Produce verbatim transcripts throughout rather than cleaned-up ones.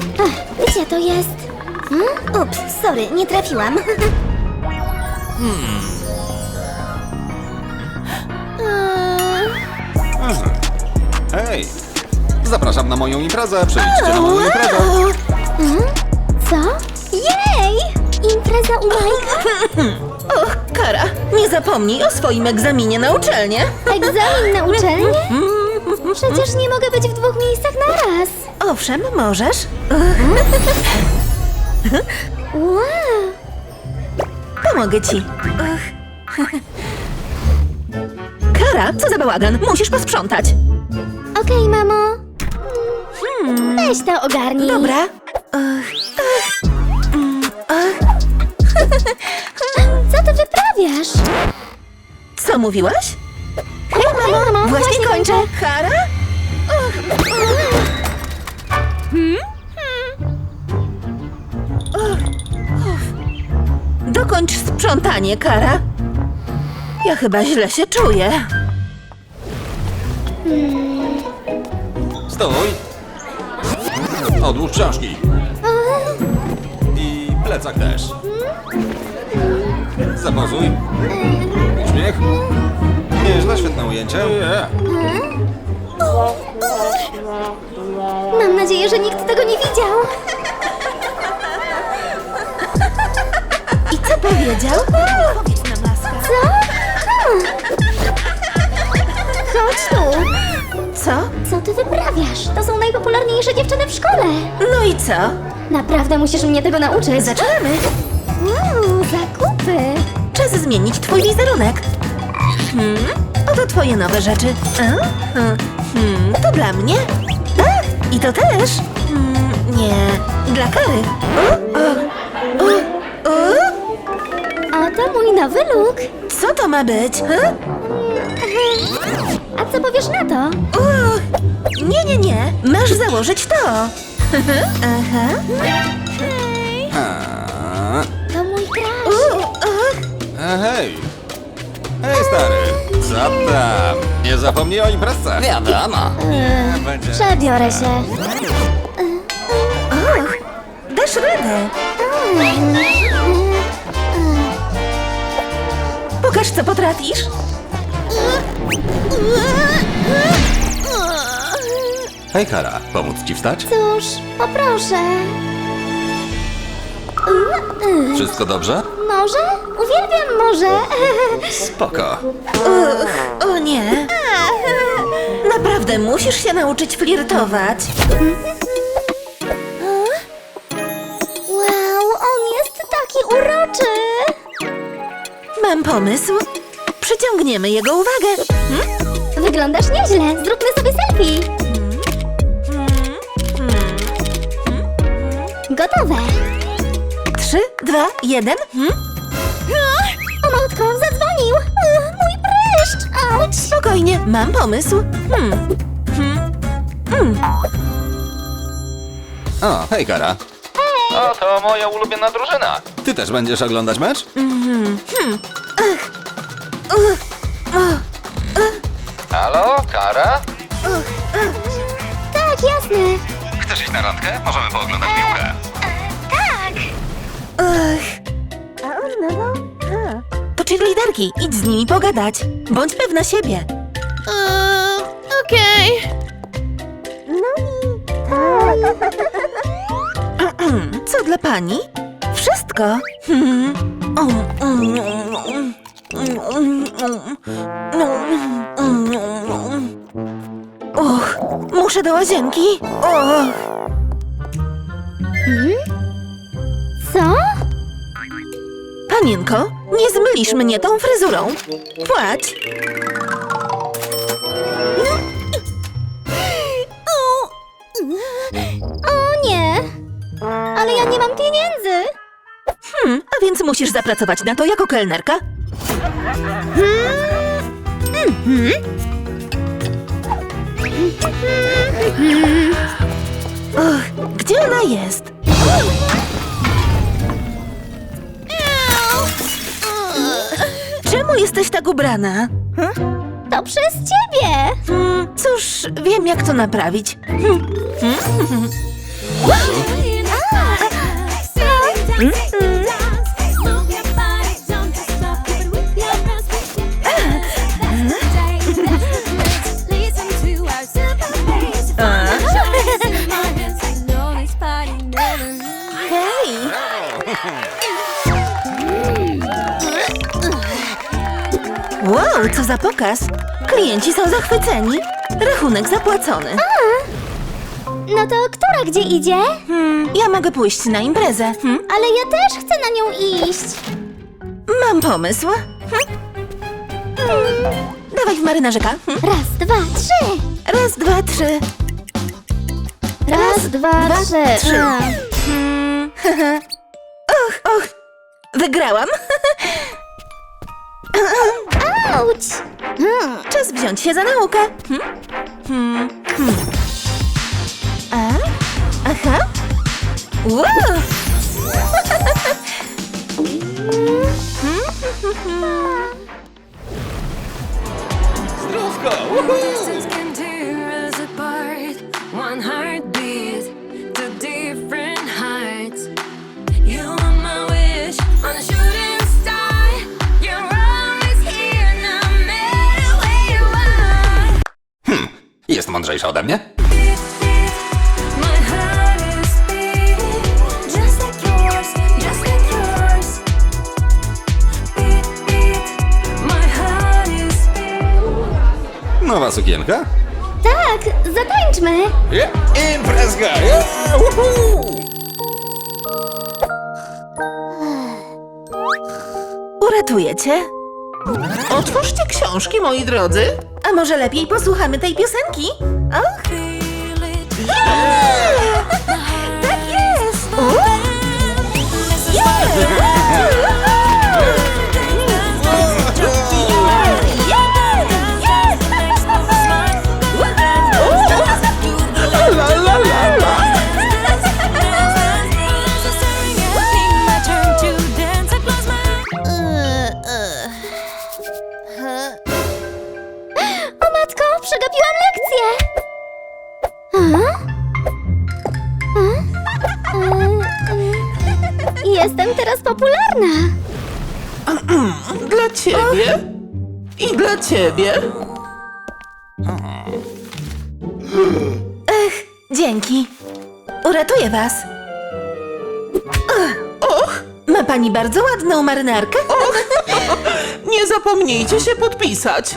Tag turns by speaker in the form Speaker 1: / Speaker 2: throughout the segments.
Speaker 1: Ach, gdzie to jest? Hmm? Ups, sorry, nie trafiłam.
Speaker 2: Hmm. Hej! Zapraszam na moją imprezę, przyjdźcie na moją imprezę.
Speaker 1: Hmm? Co? Jej! Impreza u Majka?
Speaker 3: Och, Kara, nie zapomnij o swoim egzaminie na uczelnię.
Speaker 1: Egzamin na uczelnię? Przecież nie mogę być w dwóch miejscach naraz.
Speaker 3: Owszem, możesz.
Speaker 1: Wow!
Speaker 3: Pomogę ci. Och. Kara, co za bałagan? Musisz posprzątać.
Speaker 1: Okej, mamo. Weź to ogarnij.
Speaker 3: Dobra. Och, och, mm, och.
Speaker 1: Co ty wyprawiasz?
Speaker 3: Co mówiłaś?
Speaker 1: Hej, mamo, mamo,
Speaker 3: Właśnie kończę. Kara? Och. Hmm? Och, uff. Dokończ sprzątanie, Kara. Ja chyba źle się czuję.
Speaker 2: Stój! Odłóż książki. I plecak też. Zapozuj. Uśmiech. Nieźle, świetne ujęcie. Yeah.
Speaker 1: Mam nadzieję, że nikt tego nie widział.
Speaker 3: I co powiedział? Powiedz nam, laska.
Speaker 1: Co? Hmm. Chodź tu.
Speaker 3: Co?
Speaker 1: Co ty wyprawiasz? To są najpopularniejsze dziewczyny w szkole.
Speaker 3: No i co?
Speaker 1: Naprawdę musisz mnie tego nauczyć.
Speaker 3: Zaczynamy.
Speaker 1: Uuu, zakupy.
Speaker 3: Czas zmienić twój wizerunek. Hmm? Oto twoje nowe rzeczy. A? Hmm. Hmm. To dla mnie? A? I to też? Hmm. Nie. Dla Kary. O, o, o, o.
Speaker 1: A to mój nowy look.
Speaker 3: Co to ma być? Ha?
Speaker 1: A co powiesz na to?
Speaker 3: O, nie, nie, nie. Masz założyć to. Aha.
Speaker 2: A,
Speaker 1: To mój crush.
Speaker 3: O, o.
Speaker 2: e, hej! Hej, stary! Co tam? Nie zapomnij o imprezce. Wiadomo.
Speaker 1: Eee,
Speaker 2: Będzie.
Speaker 1: Przebiorę się.
Speaker 3: Och, dasz radę. Pokaż, co potrafisz.
Speaker 2: Hej, Kara, pomóc ci wstać?
Speaker 1: Cóż, poproszę.
Speaker 2: Wszystko dobrze?
Speaker 1: Może? Uwielbiam morze.
Speaker 2: Spoko.
Speaker 3: Uch, o nie. Naprawdę musisz się nauczyć flirtować.
Speaker 1: Wow, on jest taki uroczy.
Speaker 3: Mam pomysł. Przyciągniemy jego uwagę. Hmm?
Speaker 1: Wyglądasz nieźle. Zróbmy sobie selfie. Gotowe.
Speaker 3: Trzy, dwa, jeden. Hmm?
Speaker 1: O matko, zadzwonił. Ugh, mój pryszcz. Auć.
Speaker 3: Spokojnie, mam pomysł. Hmm. Hmm. Hmm.
Speaker 2: O, hej, Kara.
Speaker 4: O, to moja ulubiona drużyna.
Speaker 2: Ty też będziesz oglądać mecz?
Speaker 4: Halo, Kara?
Speaker 1: Tak, jasne.
Speaker 4: Chcesz iść na randkę? Możemy pooglądać piłkę.
Speaker 3: Ach. To cheerleaderki, idź z nimi pogadać. Bądź pewna siebie.
Speaker 1: Okej.
Speaker 3: Co dla pani? Wszystko. Hmm. Och, muszę do łazienki. Och.
Speaker 1: Co?
Speaker 3: Panienko, nie zmylisz mnie tą fryzurą. Płać.
Speaker 1: O nie. Ale ja nie mam pieniędzy.
Speaker 3: Hmm, a więc musisz zapracować na to jako kelnerka. Och, gdzie ona jest? Czemu jesteś tak ubrana?
Speaker 1: To przez ciebie.
Speaker 3: Hmm, cóż, wiem jak to naprawić. Hmm. Hmm. Hej! Wow, co za pokaz! Klienci są zachwyceni. Rachunek zapłacony.
Speaker 1: No to która gdzie idzie?
Speaker 3: Hmm, ja mogę pójść na imprezę. Hmm?
Speaker 1: Ale ja też chcę na nią iść.
Speaker 3: Mam pomysł. Hmm? Hmm. Dawaj w marynarzyka. Hmm?
Speaker 1: Raz, dwa, trzy.
Speaker 3: Raz, dwa, trzy.
Speaker 1: Raz, dwa,
Speaker 3: dwa,
Speaker 1: trzy.
Speaker 3: trzy.
Speaker 1: A.
Speaker 3: Hmm. Och, och. Wygrałam.
Speaker 1: Auć! Hmm.
Speaker 3: Czas wziąć się za naukę. Hmm? Hmm. Hmm. A? Aha. Wow.
Speaker 2: Zdrówko!
Speaker 5: Distance can tear us apart. One heartbeat to different heights. You are my wish on a shooting star. You're always here, no matter where you are.
Speaker 2: Jest mądrzejsza ode mnie?
Speaker 5: My heart is beating just like yours, just like yours. Beat, beat. My heart is beating.
Speaker 2: Nowa sukienka?
Speaker 1: Tak, zatańczmy.
Speaker 2: Yeah. Imprezka! Yeah. Woohoo!
Speaker 3: Uratuję cię. Otwórzcie książki, moi drodzy. A może lepiej posłuchamy tej piosenki? Och,
Speaker 5: Feel it.
Speaker 3: yeah! Tak jest! O!
Speaker 1: O matko, przegapiłam lekcję. A? A? E, e, Jestem teraz popularna.
Speaker 6: Dla ciebie i dla ciebie.
Speaker 3: Dzięki. Uratuję was.
Speaker 6: Och,
Speaker 3: Ma pani bardzo ładną marynarkę.
Speaker 6: nie zapomnijcie się podpisać.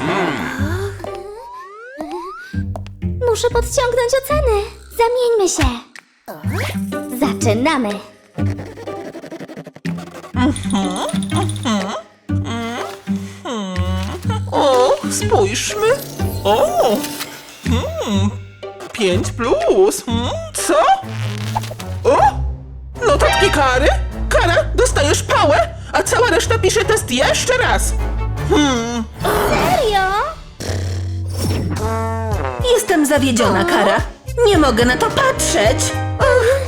Speaker 1: Muszę podciągnąć oceny. Zamieńmy się. Zaczynamy.
Speaker 6: O, spójrzmy. O, hmm, pięć plus. Hmm, co? O, notatki kary? Kara, dostajesz pałę, a cała reszta pisze test jeszcze raz. Hmm,
Speaker 1: Serio?
Speaker 3: Jestem zawiedziona, Kara. Nie mogę na to patrzeć. Och.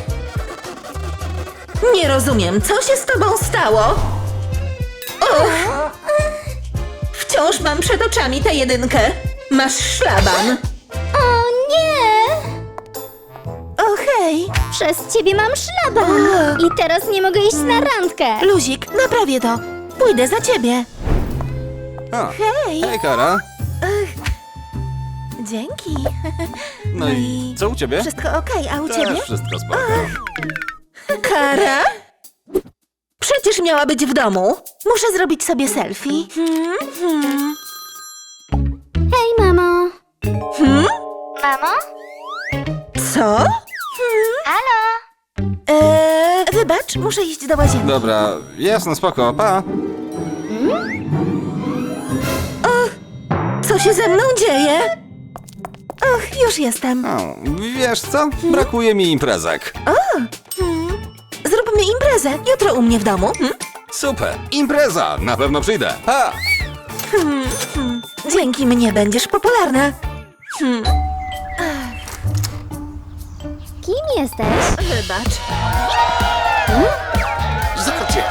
Speaker 3: Nie rozumiem, co się z tobą stało? Och. Wciąż mam przed oczami tę jedynkę. Masz szlaban.
Speaker 1: O nie!
Speaker 3: O hej.
Speaker 1: Przez ciebie mam szlaban. I teraz nie mogę iść na randkę.
Speaker 3: Luzik, naprawię to. Pójdę za ciebie.
Speaker 2: O,
Speaker 3: Hej.
Speaker 2: hej, Kara.
Speaker 3: Dzięki.
Speaker 2: No i co u ciebie?
Speaker 3: Wszystko okej, a u ciebie?
Speaker 2: Też wszystko spoko.
Speaker 3: Kara? Przecież miała być w domu. Muszę zrobić sobie selfie. Hmm, hmm.
Speaker 1: Hej, mamo.
Speaker 3: Hmm?
Speaker 1: Mamo?
Speaker 3: Co?
Speaker 1: Halo?
Speaker 3: Eee, wybacz, muszę iść do łazienki.
Speaker 2: Dobra, jasno, spoko, pa.
Speaker 3: Co się ze mną dzieje? Och, już jestem.
Speaker 2: O, wiesz co? Brakuje mi imprezek.
Speaker 3: Hmm. Zróbmy imprezę jutro u mnie w domu. Hmm?
Speaker 2: Super, impreza! Na pewno przyjdę. Pa!
Speaker 3: Dzięki mnie będziesz popularna. Hmm.
Speaker 1: Kim jesteś?
Speaker 3: Wybacz.
Speaker 2: Zacie!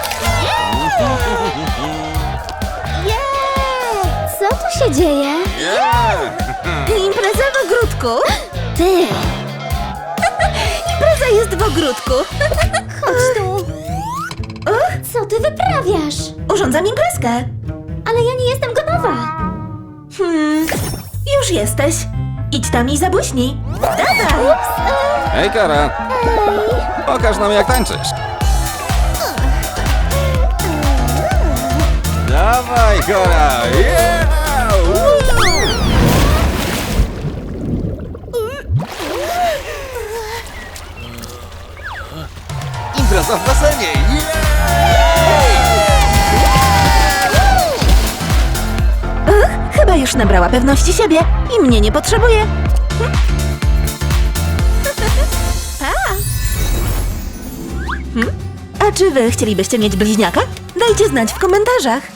Speaker 1: Co tu się dzieje?
Speaker 2: Yeah!
Speaker 3: Impreza w ogródku.
Speaker 1: Ty!
Speaker 3: Impreza jest w ogródku.
Speaker 1: Chodź tu. Co ty wyprawiasz?
Speaker 3: Urządzam imprezkę.
Speaker 1: Ale ja nie jestem gotowa.
Speaker 3: Hmm, już jesteś. Idź tam i zabłyśnij. Dawaj!
Speaker 2: Hej, Kara. Pokaż nam, jak tańczysz. Dawaj, Kara. Yeah! Woo! Impreza w basenie.
Speaker 3: Uch, chyba już nabrała pewności siebie i mnie nie potrzebuje. Pa! Hmm? A czy wy chcielibyście mieć bliźniaka? Dajcie znać w komentarzach.